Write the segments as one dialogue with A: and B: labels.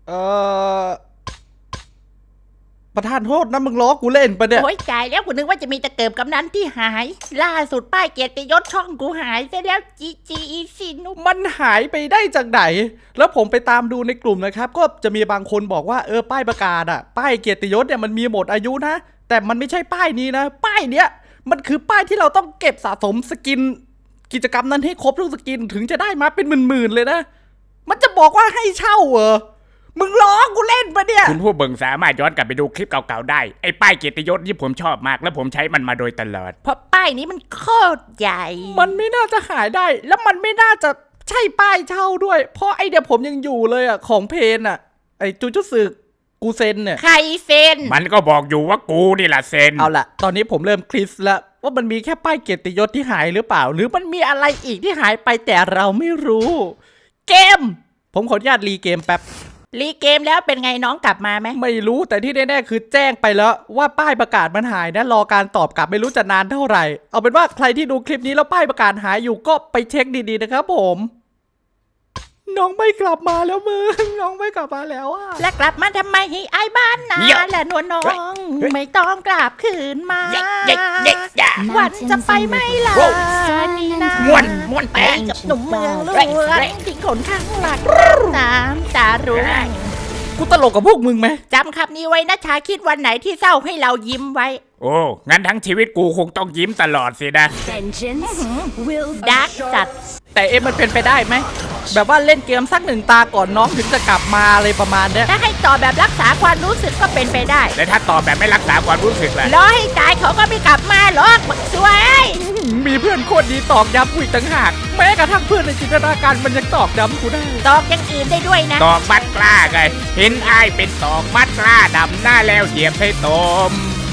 A: เออประธานโทษนะมึงล้อกูเล่นปะเนี่ย
B: โอ้ยจ่ายแล้วกูนึกว่าจะมีตะเกียบกำนันที่หาย ล่าสุดป้ายเกียรติยศช่องกูหายซะแล้วจีสินุ
A: มันหายไปได้จากไหนแล้วผมไปตามดูในกลุ่มนะครับก็จะมีบางคนบอกว่าป้ายประกาศอะป้ายเกียรติยศเนี่ยมันมีหมดอายุนะแต่มันไม่ใช่ป้ายนี้นะป้ายเนี้ยมันคือป้ายที่เราต้องเก็บสะสมสกินกิจกรรมนั้นให้ครบทุกสกินถึงจะได้มาเป็นหมื่นๆเลยนะมันจะบอกว่าให้เช่าเหรอมึงล้อกูเล่นปะเนี่ย
C: คุณผู้เบิ่งสามารถย้อนกลับไปดูคลิปเก่าๆได้ไอ้ป้ายเกียรติยศที่ผมชอบมากและผมใช้มันมาโดยตลอด
B: เพราะป้ายนี้มันโคตรใหญ่
A: มันไม่น่าจะหายได้แล้วมันไม่น่าจะใช่ป้ายเช่าด้วยเพราะไอเดียผมยังอยู่เลยอ่ะของเพนอ่ะไอจูจุสึกูเซนเนี่ย
B: ใครเซน
C: มันก็บอกอยู่ว่ากูนี่แหละเซน
A: เอาล่ะตอนนี้ผมเริ่มคลิสแล้วว่ามันมีแค่ป้ายเกียรติยศที่หายหรือเปล่าหรือมันมีอะไรอีกที่หายไปแต่เราไม่รู้เกมผมขออนุญาตรีเกมแป๊บ
B: รีเกมแล้วเป็นไงน้องกลับมาไหม
A: ไม่รู้แต่ที่แน่ๆคือแจ้งไปแล้วว่าป้ายประกาศมันหายนะรอการตอบกลับไม่รู้จะนานเท่าไหร่เอาเป็นว่าใครที่ดูคลิปนี้แล้วป้ายประกาศหายอยู่ก็ไปเช็คดีๆนะครับผมน้องไม่กลับมาแล้วมึงน้องไม่กลับมาแล้วอะ
B: แล้วกลับมาทำไมให้ไอ้บ้านนาและนวลน้องไม่ต้องกลับคืนมาวันจะไปไม่ลานี่นะ
C: ม้วน
B: ไปกับหนุ่มเมืองล้วนทิ้งคนข้างหลักน้ำตารุ่ง
A: กูตลกกับพวกมึงไหม
B: จำคำนี้ไว้นะชาคิดวันไหนที่เศร้าให้เรายิ้มไว้
C: โอ้งั้นทั้งชีวิตกูคงต้องยิ้มตลอดสินะ
B: ดักจัด
A: แต่มันเป็นไปได้ไหมแบบว่าเล่นเกมสักหนึ่งตาก่อนน้องถึงจะกลับมาอะไรประมาณเนี้ย
B: ถ้าให้ตอบแบบรักษาความรู้สึกก็เป็นไปได้
C: และถ้าตอบแบบไม่รักษาความรู้สึกล่ะ
B: รอให้ตายเขาก็ไม่กลับมาหรอกบักสวย
A: มีเพื่อนโคตรดีตอกย้ำกูอีกต่างหากแม้กระทั่งเพื่อนในจินตนาการมันยังตอกย้ำกูได้
B: ตอกอย่างอื่นได้ด้วยนะ
C: ตอกมัดกล้าไงเห็นไอ้เป็นตอกมัดกล้าดำหน้าแล้วเหยียบให้ตม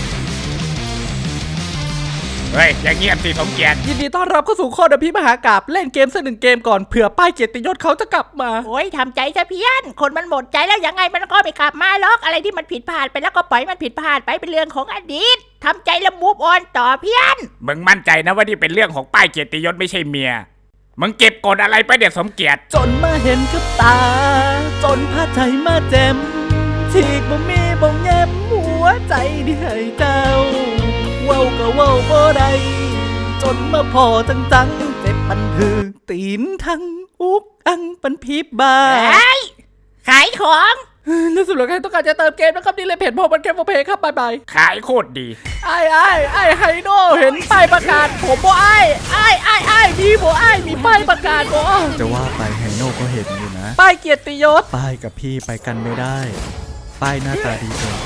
C: เฮ้ยอย่างเงียบสิสมเกียรติ
A: ยินดีต้อนรับเข้าสู่โคดพิมหากาบเล่นเกมสักหนึ่งเกมก่อนเผื่อป้ายเกียรติยศเขาจะกลับมา
B: โอ้ยทำใจซะเพี้ยนคนมันหมดใจแล้วยังไงมันก็ไม่กลับมาหรอกอะไรที่มันผิดพลาดไปแล้วก็ปล่อยมันผิดพลาดไปเป็นเรื่องของอดีตทำใจแล้วมูฟออนต่อเพี้ยน
C: มึงมั่นใจนะว่านี่เป็นเรื่องของป้ายเกียรติยศไม่ใช่เมียมึงเก็บกดอะไรไปเดี๋ยวสมเกียรติ
A: จนมาเห็นกับตาจนพาใจมาแจมฉีกบ่มีบ่แย้มหัวใจที่ให้เจ้าเว้าก็เว้าบ่ได้จนมาพอจังเจ็บปันถือตีนทั้งอุกอังปันพีบบา
B: ขายของ
A: นั่นสุดแล้วใครต้องการจะเติมเกมนะครับนี่เลยเพจพอมันเกมโอเพครับบายบาย
C: ขายโคตรดี
A: ไอ้ไฮโน่เห็นป้ายประกาศผมบ่ไอ้มีบ่ไอ้มีป้ายประกาศบ่
D: จะว่าไปไฮโน่ก็เห็นอยู่นะ
A: ป้ายเกียรติยศ
D: ป้ายกับพี่ไปกันไม่ได้ป้ายหน้าตาดีเกินไป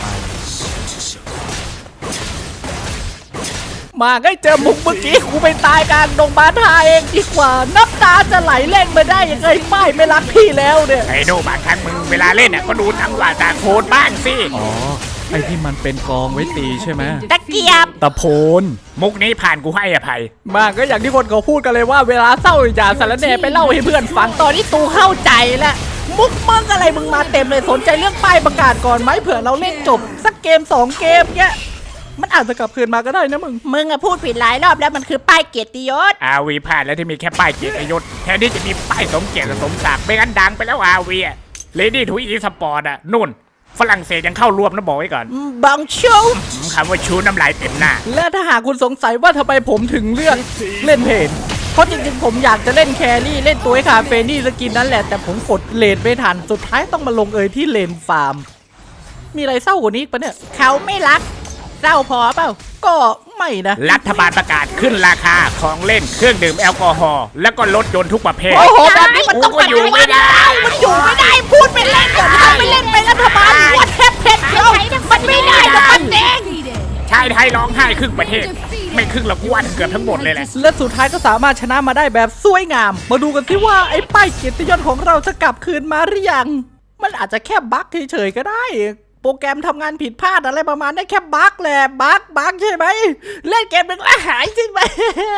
A: มาให้เจอมุกเมื่อกี้กูไปตายกลางดงบ้านทาเองดีกว่าน้ำตาจะไหลเล่นมาได้ยังไงป้ายไม่รักพี่แล้วเนี่ย
C: ไอ้โน่บางครั้งมึงเวลาเล่นก็ดูทั้งว่าตาโคนบ้างสิ
D: อ๋อไอ้ที่มันเป็นกองไว้ตีใช่ไหม
B: ตะเกียบ
D: ตะโพน
C: มุกนี้ผ่านกูให้อภัย
A: มาก็อย่างที่คนเขาพูดกันเลยว่าเวลาเศร้าอย่าสารแหน่ไปเล่าให้เพื่อนฟังตอนนี้ตูเข้าใจแล้วมุกมึงอะไรมึงมาเต็มเลยสนใจเรื่องป้ายประกาศก่อนไหมเผื่อเราเล่นจบสักเกม2เกมเงี้ยมันอาจจะกลับคืนมาก็ได้นะ
B: มึงอะพูดผิดหลายรอบแล้วมันคือป้ายเกียรติยศ
C: วีผ่านแล้วที่มีแค่ป้ายเกียรติยศแทนที่จะมีป้ายสมเกียรติสมศักดิ์ไม่งั้นดังไปแล้ววีเลดี้ทูอีสปอร์ตอะนู่นฝรั่งเศสยังเข้ารวมนะบอกไว้ก่อน
B: บังชู
C: คำว่าชูน้ำลายเต็มหน้า
A: และถ้าหากคุณสงสัยว่าทำไมผมถึงเลือกเล่นเพจเพราะจริงๆผมอยากจะเล่นแครี่เล่นตัวไอ้คาเฟนี่สกินนั่นแหละแต่ผมกดเลนไม่ทันสุดท้ายต้องมาลงที่เลนฟาร์มมีอะไรเศร้ากว่านี้ปะเนี่ย
B: เขาไม่รักเศร้าพอเปล่า
A: ก็ไม่นะ
C: รัฐบาลประกาศขึ้นราคาของเล่นเครื่องดื่มแอลกอฮอล์แล้วก็รถยนต์ทุกประเภท
A: โอ้โหแบบนี้มันต้อง
C: อยู่ไม่ได้
B: มันอยู่ไม่ได้พูดไปเล่นก่อนทำไปเล่นไปรัฐบาลวัดแทบเพชรมันไม่ได้หรอกมันเด้ง
C: ชายไทยร้องไห้ครึ่งประเทศไม่ครึ่งหรอกวันเกือบทั้งหมดเลยแหละ
A: และสุดท้ายก็สามารถชนะมาได้แบบสวยงามมาดูกันสิว่าไอ้ป้ายเกียรติยศของเราจะกลับคืนมาหรือยังมันอาจจะแค่บั๊กเฉยๆก็ได้โปรแกรมทำงานผิดพลาดอะไรประมาณได้แค่บั๊กแหละบั๊กใช่ไหมเล่นเกมหนึ่งแล้วหายใช่ไหม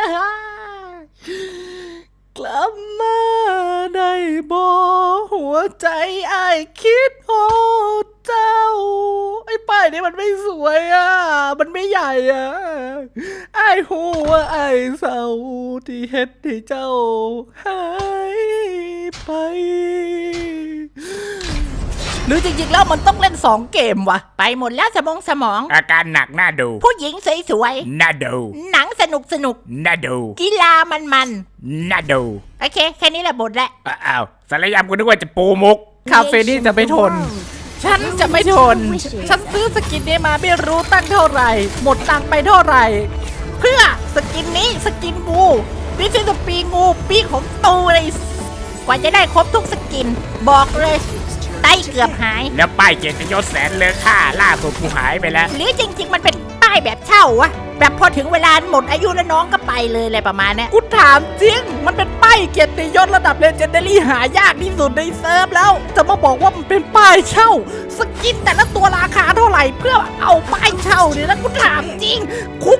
A: กลับมาได้บ่หัวใจไอ้คิดโอ้เจ้าไอ้ป้ายนี้มันไม่สวยมันไม่ใหญ่ไอ้หัวไอ้เศร้าที่เฮ็ดให้เจ้าหายไป
B: หรือจริงๆแล้วมันต้องเล่น2เกมวะไปหมดแล้วสมอง
C: อาการหนักน่าดู
B: ผู้หญิงสวย
C: น่าดู
B: ๆหนังสนุก
C: น่าดู
B: กีฬามัน
C: น่าดู
B: โอเคแค่นี้แหละบทแหละ
C: อ้าวสารยามกูนึกว่าจะปูมุก
A: คาเฟนี่จะไม่ทน ฉันจะไม่ทน ฉันซื้อสกินนี้มาไม่รู้ตั้งเท่าไหร่ หมดตังค์ไปเท่าไหร่
B: เพื่อสกินนี้สกินงูนี่คือสปีงูปีของตูเลยกว่าจะได้ครบทุกสกิน บอกเลยไตเกือบหาย
C: แล้วป้ายเกียรติยศแสนเลอค่าล่าสุดกูหายไปแล้ว
B: หรือจริงๆมันเป็นป้ายแบบเช่าวะแบบพอถึงเวลาหมดอายุแล้วน้องก็ไปเลยอะไรประมาณเนี้ย
A: กูถามจริง มันเป็นป้ายเกียรติยศระดับเลเจนดารี่หายากที่สุดในเซิร์ฟแล้ว จะมาบอกว่ามันเป็นป้ายเช่า สกินแต่ละตัวราคาเท่าไหร่เพื่อเอาป้ายเช่าเนี่ยนะกูถามจริง คุ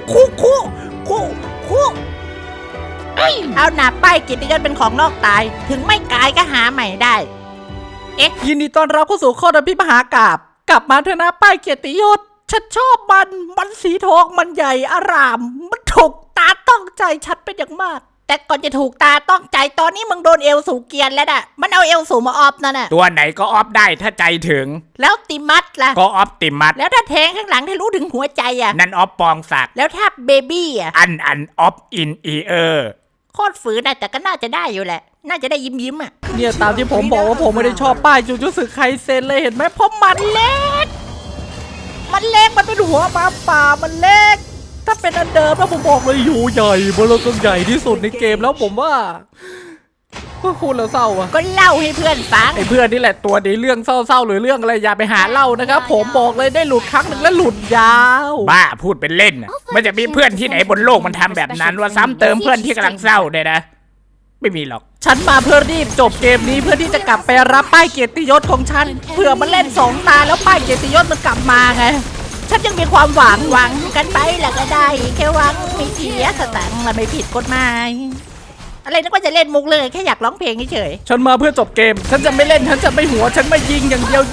B: เอาหนาป้ายเกียรติยศเป็นของนอกตาย ถึงไม่กายก็หาใหม่ได้
A: ยินดีต้อนรับเข้าสู่ข้อดับพิมหากาบกลับมาเถอะนะป้ายเกียรติยศฉันชอบมันสีทองมันใหญ่อาราม มันถูกตาต้องใจฉันเป็นอย่างมาก
B: แต่ก่อนจะถูกตาต้องใจตอนนี้มึงโดนเอลสูเกียนแล้วน่ะมันเอาเอลสูมาออฟนั่นน่ะ
C: ตัวไหนก็ออฟได้ถ้าใจถึง
B: แล้วติมัสล่ะ
C: ก็ออฟติมัส
B: แล้วถ้าแทงข้างหลังให้รู้ถึงหัวใจอ่ะ
C: นั่นออฟปองศักดิ์
B: แล้วถ้าเบบี้อ่ะ
C: อันออฟอินอีเออร์
B: โคตรฝืนนะแต่ก็น่าจะได้อยู่แหละ น่าจะได้ยิ้มอ่ะ
A: เนี่ยตามที่ผมบอกว่าผมไม่ได้ชอบป้ายจูจูสึไคเซนเลยเห็นไหมเพราะมันเล็ก มันเป็นหัวหมาป่ามันเล็ก ถ้าเป็นอันเดิมแล้วผมบอกเลยอยู่ใหญ่เบลอกันใหญ่ที่สุดในเกมแล้วผมว่าคุณแล้วเศร้าอะ
B: ก็เล่าให้เพื่อนฟัง
A: ไอ้เพื่อนนี่แหละตัวดีเรื่องเศร้าๆหรือเรื่องอะไรอย่าไปหาเล่านะครับผมบอกเลยได้หลุดครั้งหนึ่งแล้วหลุดยาว
C: บ้าพูดเป็นเล่นน่ะมันจะมีเพื่อนที่ไหนบนโลกมันทำแบบนั้นว่าซ้ำเติมเพื่อนที่กำลังเศร้าเนี่ยนะ ไม่มีหรอก
A: ฉันมาเพื่อรีบจบเกมนี้เพื่อที่จะกลับไปรับป้ายเกียรติยศของฉันเผื่อมันเล่น2 ตาแล้วป้ายเกียรติยศมันกลับมาไงฉันยังมีความหวัง
B: หวังกันไปแล้วก็ได้แค่หวังไม่เสียสตังค์และไม่ผิดกฎหมายอะไรนึกว่าจะเล่นมุกเลยแค่อยากร้องเพลงเฉย
A: ฉันมาเพื่อจบเกม ฉันจะไม่เล่นฉันจะไม่หัวฉันไม่ยิงอย่างเดียว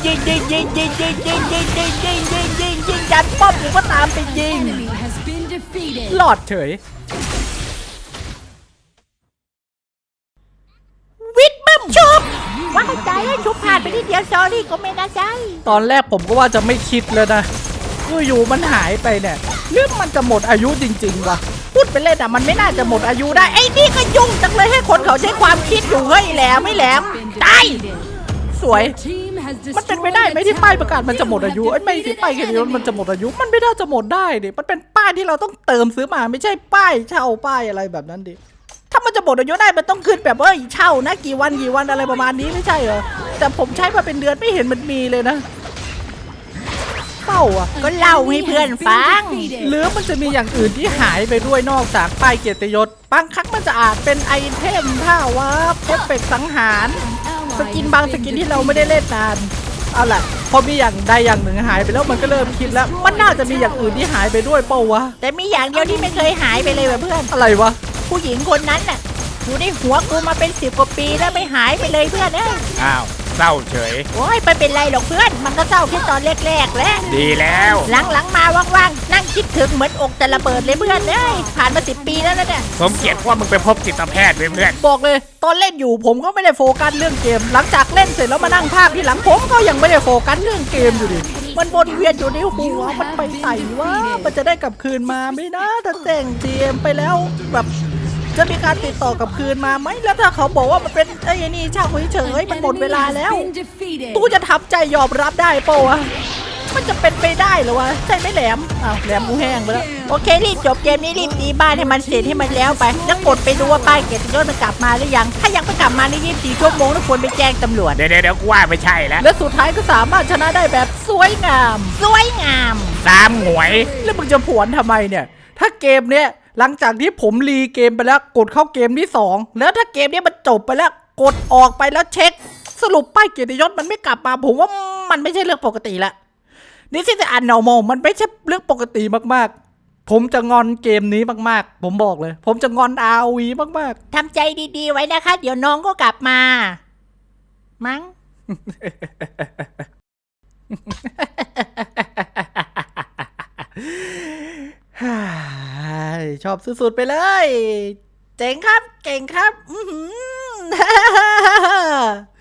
A: ยิงยันป้อมกูก็ตามไปยิงหลอดเฉย
B: วิดบึ้มชุบว่าให้ใจให้ชุบผ่านไปทีเดียวซอรี่ก็ไม่น่าใจ
A: ตอนแรกผมก็ว่าจะไม่คิดเลยนะอยู่ๆมันหายไปเนี่ยหรือมันจะหมดอายุจริงๆวะพูดไปเล่นอ่ะมันไม่น่าจะหมดอายุได้ไอ้นี่ก็ยุ่งจังเลยให้คนเขาใช้ความคิดอยู่เฮ้ยแหลมไม่แหลมตายสวย มันเป็นไปได้ไหมที่ป้ายประกาศมันจะหมดอายุไอ้ไม่สิป้ายเกียรติยศมันจะหมดอายุมันไม่น่าจะหมดได้ดิมันเป็นป้ายที่เราต้องเติมซื้อมาไม่ใช่ป้ายเช่าป้ายอะไรแบบนั้นดิถ้ามันจะหมดอายุได้มันต้องขึ้นแบบเช่านะกี่วันอะไรประมาณนี้ไม่ใช่เหรอแต่ผมใช้มาเป็นเดือนไม่เห็นมันมีเลยนะเศร้าอ่ะ
B: ก็เล่าให้เพื่อนฟัง
A: หรือมันจะมีอย่างอื่นที่หายไปด้วยนอกจากป้ายเกียรติยศบางครั้งมันจะอาจเป็นไอเทมท่าวาร์ปเอฟเฟกต์สังหารสกินบางสกินที่เราไม่ได้เล่นนานเอาล่ะพอมีอย่างใดอย่างหนึ่งหายไปแล้วมันก็เริ่มคิดแล้วมันน่าจะมีอย่างอื่นที่หายไปด้วยเปล่าวะ
B: แต่มีอย่างเดียวที่ไม่เคยหายไปเลยว่ะเพื่อน
A: อะไรวะ
B: ผู้หญิงคนนั้นน่ะอยู่ในหัวกูมาเป็น10 กว่าปีแล้วไม่หายไปเลยเพื่อนเอ้ย
C: อ้าวเศร้าเฉย
B: โอ้ยไม่เป็นไรหรอกเพื่อนมันก็เศร้าแค่ตอนแรกๆแหละ
C: ดีแล้ว
B: หลังๆมาว่างๆนั่งคิดถึงเหมือนอกจะระเบิดเลยเพื่อนเอ้ยผ่านมา10 ปีแล้วนะเนี่ย
C: สมเกียรติว่ามึงไปพบจิตแพทย์เพื่อน
A: บอกเลยตอนเล่นอยู่ผมก็ไม่ได้โฟกัสเรื่องเกม หลังจากเล่นเสร็จแล้วมานั่งภาคที่หลังผมก็ยังไม่ได้โฟกัสเรื่องเกมอยู่ดิมันวนเวียนอยู่ในหัวมันไปใส่ว่ามันจะได้กลับคืนมาไหมนะถ้าแจ้งเกมไปแล้วแบบจะมีการติดต่อกลับคืนมาไหมแล้วถ้าเขาบอกว่ามันเป็นไอ้นี่ช่างเฉยๆมันหมดเวลาแล้วตู้จะทับใจยอมรับได้เปล่าวะมันจะเป็นไปได้เหรอวะใช่ไหมแหลมอ้าวแหลมกูแห้งไปแล้ว
B: โอเครีบจบเกมนี้รีบตีบ้านให้มันเสร็จให้มันแล้วไปแล้วกดไปดูว่าป้ายเกียรติยศมันกลับมาหรือยังถ้ายังไม่กลับมาใน24 ชั่วโมงทุกคนไปแจ้งตำรวจ
C: ๆเดี๋ยวกูว่าไม่ใช่แล้ว
A: และสุดท้ายก็สามารถชนะได้แบบสวยงาม
B: สวยงาม
C: ตามหงวย
A: แล้วมึงจะผวนทำไมเนี่ยถ้าเกมเนี้ยหลังจากที่ผมรีเกมไปแล้วกดเข้าเกมที่2แล้วถ้าเกมนี้มันจบไปแล้วกดออกไปแล้วเช็คสรุปป้ายเกียรติยศมันไม่กลับมาผมว่ามันไม่ใช่เรื่องปกติละนี่ที่จะอ่านเนาโมมันไม่ใช่เรื่องปกติมากๆผมจะงอนเกมนี้มากๆผมบอกเลยผมจะงอน ROV มาก
B: ทำใจดีๆไว้นะคะ เดี๋ยวน้องก็กลับมา มั้ง
A: ๆ ชอบสุดๆไปเลย เจ๋งครับเก่งครับ